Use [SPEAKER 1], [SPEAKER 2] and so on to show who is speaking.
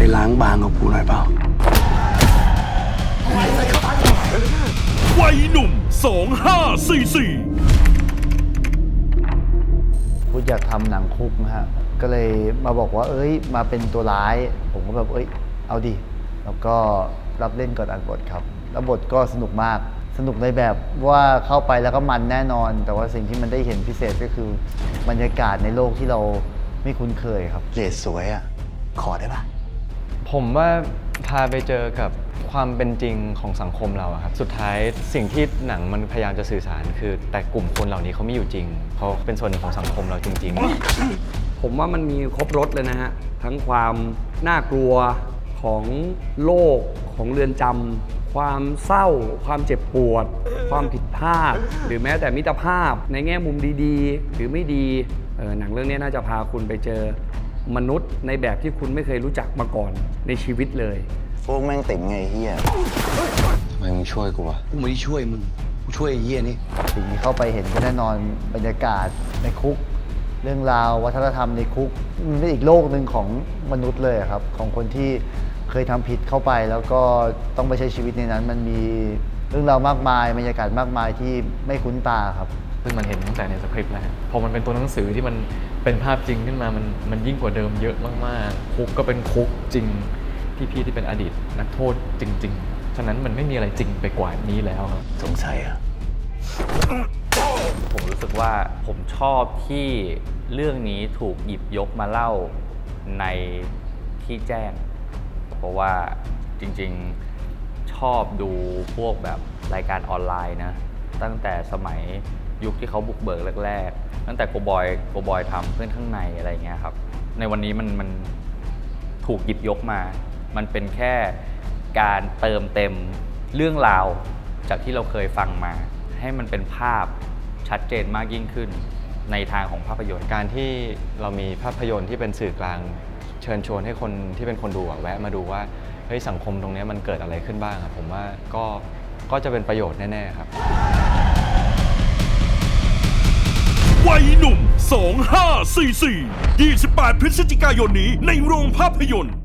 [SPEAKER 1] ล้างบางกับกูหน่อยเปล่า
[SPEAKER 2] วัยหนุ่ม2544
[SPEAKER 3] พูดอยากทำหนังคุกนะฮะก็เลยมาบอกว่ามาเป็นตัวร้ายผมก็แบบเอาดิแล้วก็รับเล่นก่อนอ่านบทครับแล้วบทก็สนุกมากสนุกในแบบว่าเข้าไปแล้วก็มันแน่นอนแต่ว่าสิ่งที่มันได้เห็นพิเศษก็คือบรรยากาศในโลกที่เราไม่คุ้นเคยครับ
[SPEAKER 1] เรศสวยอ่ะขอได้ปะ
[SPEAKER 4] ผมว่าพาไปเจอกับความเป็นจริงของสังคมเราอะครับสุดท้ายสิ่งที่หนังมันพยายามจะสื่อสารคือแต่กลุ่มคนเหล่านี้เขาไม่อยู่จริงเขาเป็นส่วนหนึ่งของสังคมเราจริง
[SPEAKER 5] ๆ ผมว่ามันมีครบรสเลยนะฮะทั้งความน่ากลัวของโลกของเรือนจำความเศร้าความเจ็บปวดความผิดพลาดหรือแม้แต่มิตรภาพในแง่มุมดีๆหรือไม่ดีหนังเรื่องนี้น่าจะพาคุณไปเจอมนุษย์ในแบบที่คุณไม่เคยรู้จักมาก่อนในชีวิตเลย
[SPEAKER 1] พวกแม่งติ่มไงเฮียทำไมมึงช่วยกูวะกูไม่ได้ช่วยมึงกูช่วยไอ้เฮียนี่
[SPEAKER 3] สิ่งที่เข้าไปเห็นก็แน่นอนบรรยากาศในคุกเรื่องราววัฒนธรรมในคุกมันเป็นอีกโลกหนึ่งของมนุษย์เลยครับของคนที่เคยทำผิดเข้าไปแล้วก็ต้องไปใช้ชีวิตในนั้นมันมีเรื่องราวมากมายบรรยากาศมากมายที่ไม่คุ้นตาครับ
[SPEAKER 4] ซึ่งมันเห็นตั้งแต่ในสคริปต์แล้วพอมันเป็นตัวหนังสือที่มันเป็นภาพจริงขึ้นมามันยิ่งกว่าเดิมเยอะมากๆคุกก็เป็นคุกจริงพี่ที่เป็นอดีตนักโทษจริงๆฉะนั้นมันไม่มีอะไรจริงไปกว่านี้แล้วครับ
[SPEAKER 1] สงสัยอ่ะ
[SPEAKER 6] ผมรู้สึกว่าผมชอบที่เรื่องนี้ถูกหยิบยกมาเล่าในที่แจ้งเพราะว่าจริงๆชอบดูพวกแบบรายการออนไลน์นะตั้งแต่สมัยยุคที่เขาบุกเบิกแรกๆตั้งแต่โกบอยทำเพื่อนข้างในอะไรเงี้ยครับในวันนี้มันถูกหยิบยกมามันเป็นแค่การเติมเต็มเรื่องราวจากที่เราเคยฟังมาให้มันเป็นภาพชัดเจนมากยิ่งขึ้นในทางของภาพยนตร์
[SPEAKER 4] การที่เรามีภาพยนตร์ที่เป็นสื่อกลางเชิญชวนให้คนที่เป็นคนดูแวะมาดูว่าเฮ้ยสังคมตรงนี้มันเกิดอะไรขึ้นบ้างผมว่าก็จะเป็นประโยชน์แน่ๆครับ
[SPEAKER 2] วัยหนุ่ม2544 28 พฤศจิกายนนี้ในโรงภาพยนตร์